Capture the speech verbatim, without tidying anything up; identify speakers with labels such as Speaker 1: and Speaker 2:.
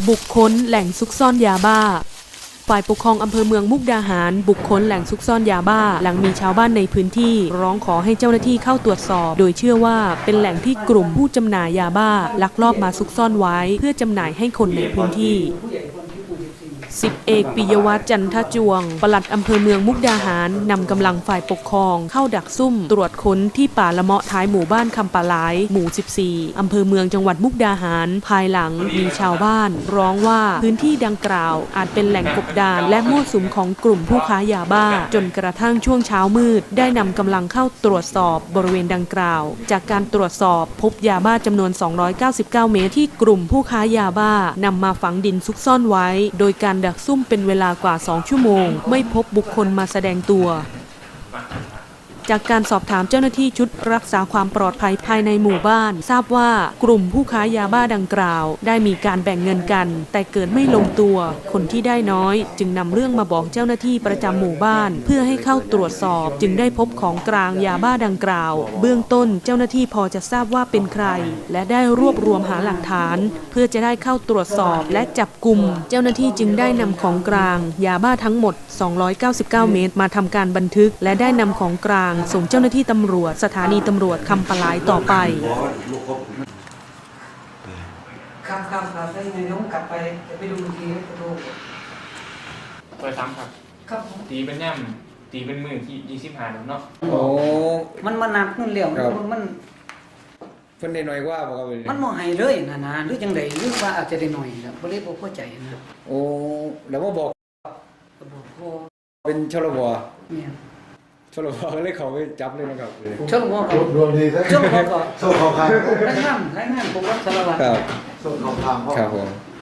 Speaker 1: บุคคลแหล่งซุกซ่อนยาบ้าฝ่ายปกครองอำเภอเมืองมุกดาหารบุคคลแหล่งซุกซ่อนยาบ้าหลังมีชาวบ้านในพื้นที่ร้องขอให้เจ้าหน้าที่เข้าตรวจสอบโดยเชื่อว่าเป็นแหล่งที่กลุ่มผู้จำหน่ายยาบ้าลักลอบมาซุกซ่อนไว้เพื่อจำหน่ายให้คนในพื้นที่สิบเอกปิยวัฒน์จันทจวงปลัดอำเภอเมืองมุกดาหารนำกำลังฝ่ายปกครองเข้าดักซุ่มตรวจค้นที่ป่าละเมาะท้ายหมู่บ้านคำปะหลายหมู่สิบสี่อำเภอเมืองจังหวัดมุกดาหารภายหลังมีชาวบ้านร้องว่าพื้นที่ดังกล่าวอาจเป็นแหล่งกบดานและมั่วสุมของกลุ่มผู้ค้ายาบ้าจนกระทั่งช่วงเช้ามืดได้นำกำลังเข้าตรวจสอบบริเวณดังกล่าวจากการตรวจสอบพบยาบ้าจำนวนสองร้อยเก้าสิบเก้าเมตรที่กลุ่มผู้ค้ายาบ้านำมาฝังดินซุกซ่อนไว้โดยการดักซุ่มเป็นเวลากว่าสองชั่วโมงไม่พบบุคคลมาแสดงตัวจากการสอบถามเจ้าหน้าที่ชุดรักษาความปลอดภัยภายในหมู่บ้านทราบว่ากลุ่มผู้ค้ายาบ้าดังกล่าวได้มีการแบ่งเงินกันแต่เกิดไม่ลงตัวคนที่ได้น้อยจึงนำเรื่องมาบอกเจ้าหน้าที่ประจำหมู่บ้านเพื่อให้เข้าตรวจสอบจึงได้พบของกลางยาบ้าดังกล่าวเบื้องต้นเจ้าหน้าที่พอจะทราบว่าเป็นใครและได้รวบรวมหาหลักฐานเพื่อจะได้เข้าตรวจสอบและจับกุมเจ้าหน้าที่จึงได้นำของกลางยาบ้าทั้งหมดสองร้อยเก้าสิบเก้าเมตรมาทำการบันทึกและได้นำของกลางส่งเจ้าหน้าที่ตำรวจสถานีตำรวจคำปะหลายต่อไป
Speaker 2: ครับครับครับได้ในน้องกลับไปจะไปดูทีจะดู
Speaker 3: ตัวซ้ำครับ
Speaker 2: ครับ
Speaker 3: ตีเป็นแนมตีเป็นมือที่ยี่สิบห้าเนาะ
Speaker 4: โอ้
Speaker 2: มันมานับนู่นเหลี่ยมมัน
Speaker 4: เพิ่นได้น้อยกว่าบ่ครับ
Speaker 2: มันบ่ให้เลยนะนะหรือจังไดหรือว่าอาจจะได้หน่อยนะบ่เลยบ่เข้าใจนะ
Speaker 4: โอ้แล้วบ่บอก
Speaker 2: บอกพ่อ
Speaker 4: เป็นชลบ
Speaker 2: เนี่ย
Speaker 4: ชลบก็เลยเขาไปจับเลยนะครับ
Speaker 2: ชลบก็
Speaker 5: รวมดีซะ
Speaker 2: ชลบก็
Speaker 5: โซ่เขาคาง
Speaker 2: รายงานรายงานผมว่าสารวัตร
Speaker 4: ครับ
Speaker 5: โซ่เขาคาง
Speaker 4: ครับผม